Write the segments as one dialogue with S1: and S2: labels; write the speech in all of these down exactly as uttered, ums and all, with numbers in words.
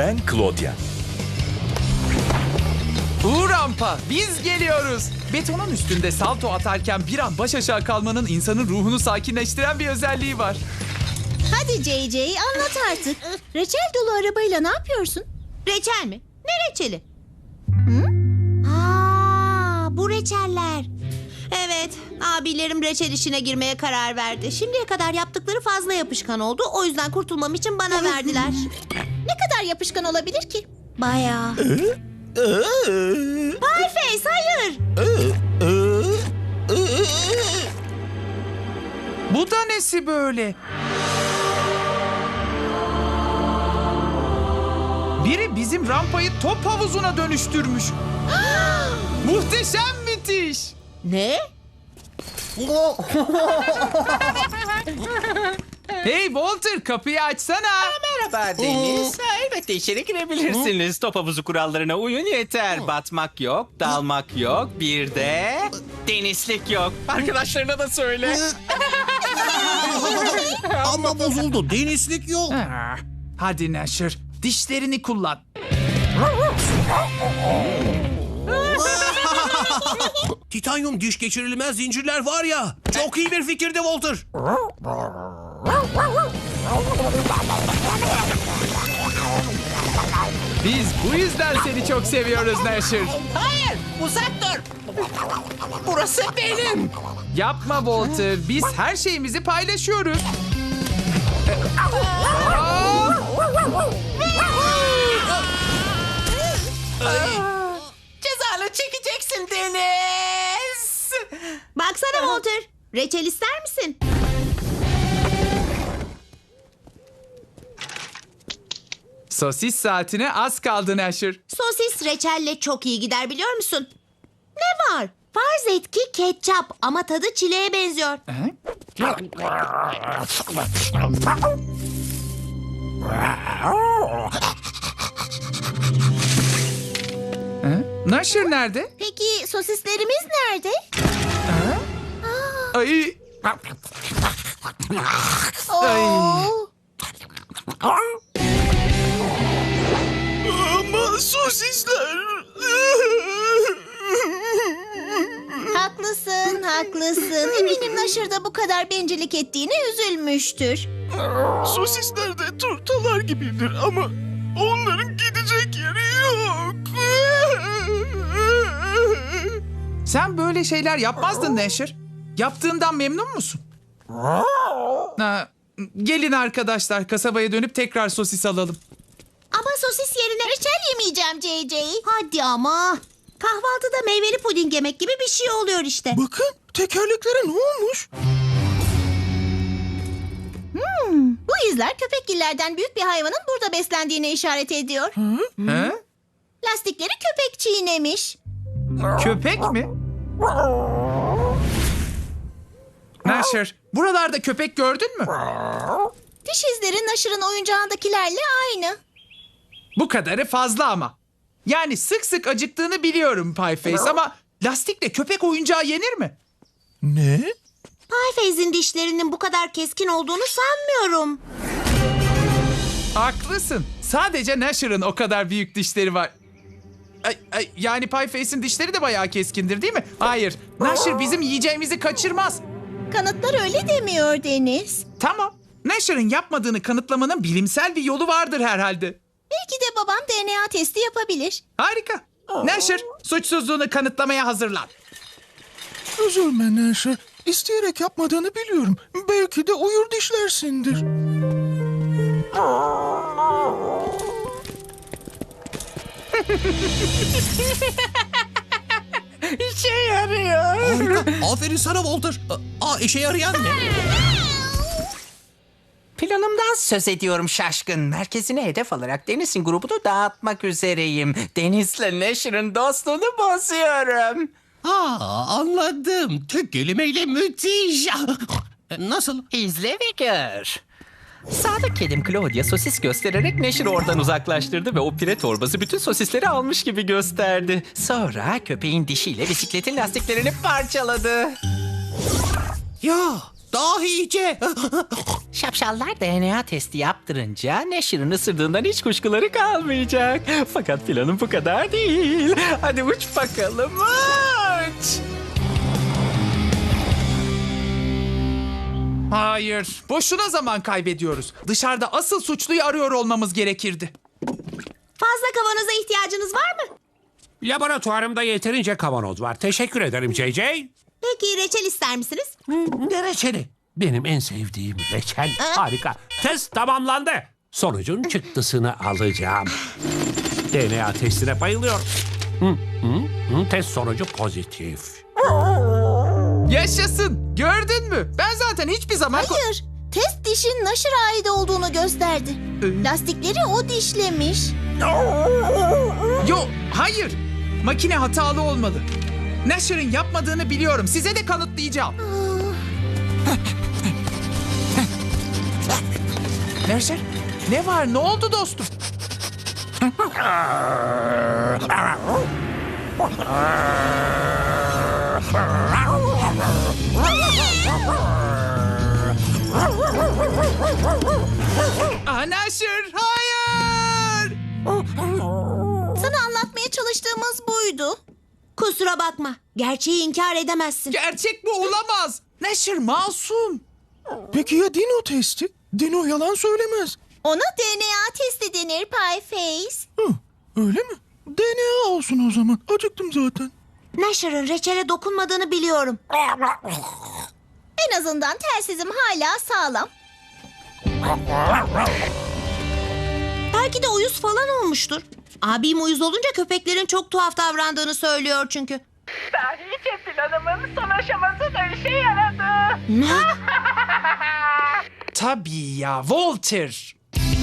S1: Ben Claudia.
S2: Bu rampa, biz geliyoruz. Betonun üstünde salto atarken bir an baş aşağı kalmanın insanın ruhunu sakinleştiren bir özelliği var.
S3: Hadi J J anlat artık. Reçel dolu arabayla ne yapıyorsun?
S4: Reçel mi? Ne reçeli? Hı? Aa, bu reçeller. Evet, abilerim reçel işine girmeye karar verdi. Şimdiye kadar yaptıkları fazla yapışkan oldu. O yüzden kurtulmam için bana verdiler.
S3: Ne kadar yapışkan olabilir ki?
S4: Bayağı. Pieface, hayır.
S2: Bu da nesi böyle? Biri bizim rampayı top havuzuna dönüştürmüş. Muhteşem müthiş.
S4: Ne?
S2: Hey Walter, kapıyı açsana.
S5: Merhaba Deniz. Ha, elbette içeri girebilirsiniz. Top havuzu kurallarına uyun yeter. Batmak yok, dalmak yok. Bir de denizlik yok. Arkadaşlarına da söyle.
S6: Ama bozuldu. Denizlik yok.
S2: Ah, hadi Nasher, dişlerini kullan.
S6: Titanyum diş geçirilmez zincirler var ya. Çok iyi bir fikirdi Walter.
S2: Biz bu yüzden seni çok seviyoruz Nasher.
S5: Hayır, uzak dur. Burası benim.
S2: Yapma Walter, biz her şeyimizi paylaşıyoruz.
S5: Cezanı çekeceksin Deniz.
S4: Baksana Walter. Reçel ister misin?
S2: Sosis saatine az kaldı Nasher.
S4: Sosis reçelle çok iyi gider biliyor musun? Ne var? Farz et ki ketçap ama tadı çileğe benziyor.
S2: Nasher nerede?
S3: Peki sosislerimiz nerede?
S2: Ay,
S3: Oo.
S6: Ama sosisler.
S3: Haklısın, haklısın. Eminim Nasher da bu kadar bencillik ettiğine üzülmüştür.
S6: Sosisler de turtalar gibidir ama onların gidecek yeri yok.
S2: sen böyle şeyler yapmazdın Nasher. Yaptığından memnun musun? Ha, gelin arkadaşlar, kasabaya dönüp tekrar sosis alalım.
S3: Ama sosis yerine reçel yemeyeceğim J J.
S4: Hadi ama. Kahvaltıda meyveli puding yemek gibi bir şey oluyor işte.
S6: Bakın tekerleklere ne olmuş?
S3: Bu izler köpekgillerden büyük bir hayvanın burada beslendiğine işaret ediyor.
S2: Ha?
S3: Lastikleri köpek çiğnemiş.
S2: Köpek mi? Nasher, buralarda köpek gördün mü?
S3: Diş izleri Nasher'ın oyuncağındakilerle aynı.
S2: Bu kadarı fazla ama. Yani sık sık acıktığını biliyorum Pieface ama lastikle köpek oyuncağı yenir mi?
S6: Ne?
S4: Pieface'in dişlerinin bu kadar keskin olduğunu sanmıyorum.
S2: Haklısın. Sadece Nasher'ın o kadar büyük dişleri var. Ay, ay, yani Pieface'in dişleri de bayağı keskindir değil mi? Hayır. Nasher bizim yiyeceğimizi kaçırmaz.
S3: Kanıtlar öyle demiyor Deniz.
S2: Tamam. Nasher'ın yapmadığını kanıtlamanın bilimsel bir yolu vardır herhalde.
S3: Belki de babam D N A testi yapabilir.
S2: Harika. Nasher, suçsuzluğunu kanıtlamaya hazırlan.
S6: Üzülme Neşe. İsteyerek yapmadığını biliyorum. Belki de uyur dişlersindir.
S5: İşe yarıyor.
S6: Harika. Aferin sana Walter. Aa, işe yarayan ne?
S5: Planımdan söz ediyorum şaşkın. Merkezine hedef alarak Deniz'in grubunu dağıtmak üzereyim. Deniz'le Nasher'ın dostluğunu bozuyorum.
S6: Ha, anladım. Tek kelimeyle müthiş. Nasıl?
S5: İzle ve gör. Sadık kedim Claudia sosis göstererek Nasher'ı oradan uzaklaştırdı ve o pire torbası bütün sosisleri almış gibi gösterdi. Sonra köpeğin dişiyle bisikletin lastiklerini parçaladı.
S6: Ya,
S1: dahice.
S5: Şapşallar D N A testi yaptırınca Neşir'in ısırdığından hiç kuşkuları kalmayacak. Fakat planım bu kadar değil. Hadi uç bakalım, uç.
S2: Hayır. Boşuna zaman kaybediyoruz. Dışarıda asıl suçluyu arıyor olmamız gerekirdi.
S4: Fazla kavanoza ihtiyacınız var mı?
S1: Laboratuvarımda yeterince kavanoz var. Teşekkür ederim J J.
S4: Peki reçel ister misiniz?
S1: Ne reçeli? Benim en sevdiğim reçel. Harika. Test tamamlandı. Sonucun çıktısını alacağım. D N A testine bayılıyorum. Hı, hı, hı, test sonucu pozitif.
S2: Yaşasın. Gördün mü? Ben zaten hiçbir zaman... ko-
S3: Hayır. Test dişin Nasher'a ait olduğunu gösterdi. Lastikleri o dişlemiş.
S2: Yo, hayır. Makine hatalı olmalı. Nasher'ın yapmadığını biliyorum. Size de kanıtlayacağım. Nasher, ne var? Ne oldu dostum? Aa, Nasher, hayır!
S3: Sana anlatmaya çalıştığımız buydu.
S4: Kusura bakma. Gerçeği inkar edemezsin.
S2: Gerçek bu olamaz. Nasher masum.
S6: Peki ya Dino testi? Dino yalan söylemez.
S3: Ona D N A testi denir Pieface.
S6: Hı, öyle mi? D N A olsun o zaman. Acıktım zaten.
S4: Nasher'ın reçele dokunmadığını biliyorum.
S3: En azından telsizim hala sağlam.
S4: Belki de uyuz falan olmuştur. Abim uyuz olunca köpeklerin çok tuhaf davrandığını söylüyor çünkü.
S7: Dahice planımın son aşaması da işe yaradı.
S4: Ne?
S2: Tabii ya, Walter.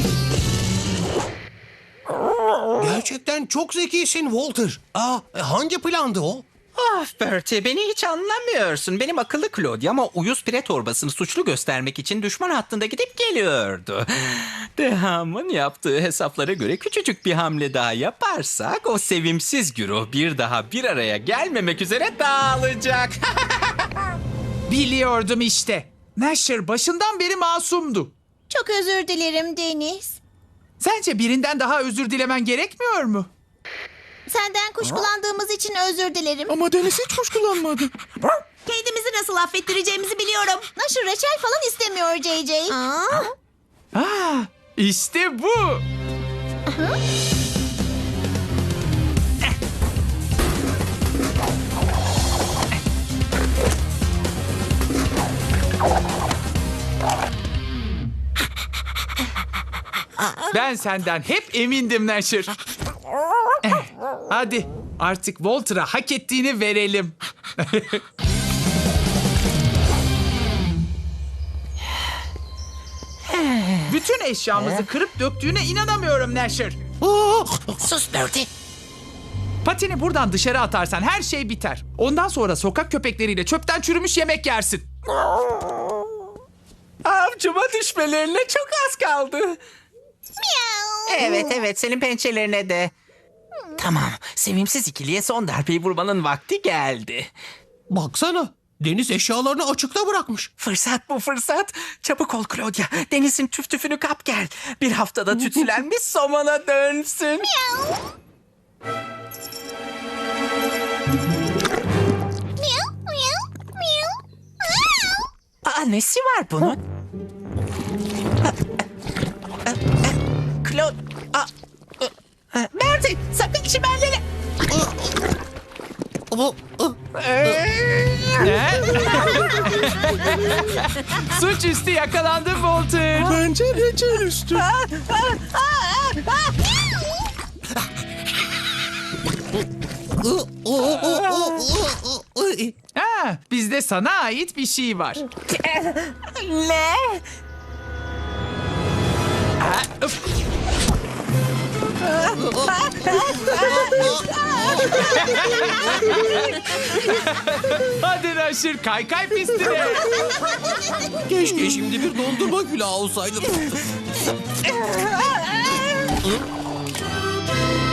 S1: Gerçekten çok zekisin Walter. Aa, hangi plandı o?
S5: Ah Bertie, beni hiç anlamıyorsun. Benim akıllı Claudia ama uyuz pire torbasını suçlu göstermek için düşman hattında gidip geliyordu. Deham'ın yaptığı hesaplara göre küçücük bir hamle daha yaparsak o sevimsiz güruh bir daha bir araya gelmemek üzere dağılacak.
S2: Biliyordum işte. Nasher başından beri masumdu.
S3: Çok özür dilerim Deniz.
S2: Sence birinden daha özür dilemen gerekmiyor mu?
S3: Senden kuşkulandığımız için özür dilerim.
S6: Ama Deniz hiç kuşkulanmadı.
S4: Kendimizi nasıl affettireceğimizi biliyorum.
S3: Nasher reçel falan istemiyor J J.
S4: Aa,
S2: Ah, işte bu. Ben senden hep emindim Nasher. Eh, Hadi artık Walter'a hak ettiğini verelim. Bütün eşyamızı kırıp döktüğüne inanamıyorum Nasher.
S5: Sus Bertie.
S2: Patini buradan dışarı atarsan her şey biter. Ondan sonra sokak köpekleriyle çöpten çürümüş yemek yersin.
S5: Avcuma düşmelerine çok az kaldı. Evet evet, senin pençelerine de. Tamam, sevimsiz ikiliye son darbeyi vurmanın vakti geldi.
S1: Baksana. Deniz eşyalarını açıkta bırakmış.
S5: Fırsat bu fırsat. Çabuk ol Claudia. Deniz'in tüf tüfünü kap gel. Bir haftada tütsülenmiş somona dönsün.
S3: Miau, miau, miau.
S5: Aa, nesi var bunun? Claude... Aa, Bertie, sakın çimenlere...
S2: Ne? Suçüstü yakalandın Walter.
S6: Bence reçel üstü.
S2: Ha, bizde sana ait bir şey var.
S5: Ne?
S2: Ha, öf. Hadi Nasher, kaykay pistine.
S1: Keşke şimdi bir dondurma külahı olsaydı.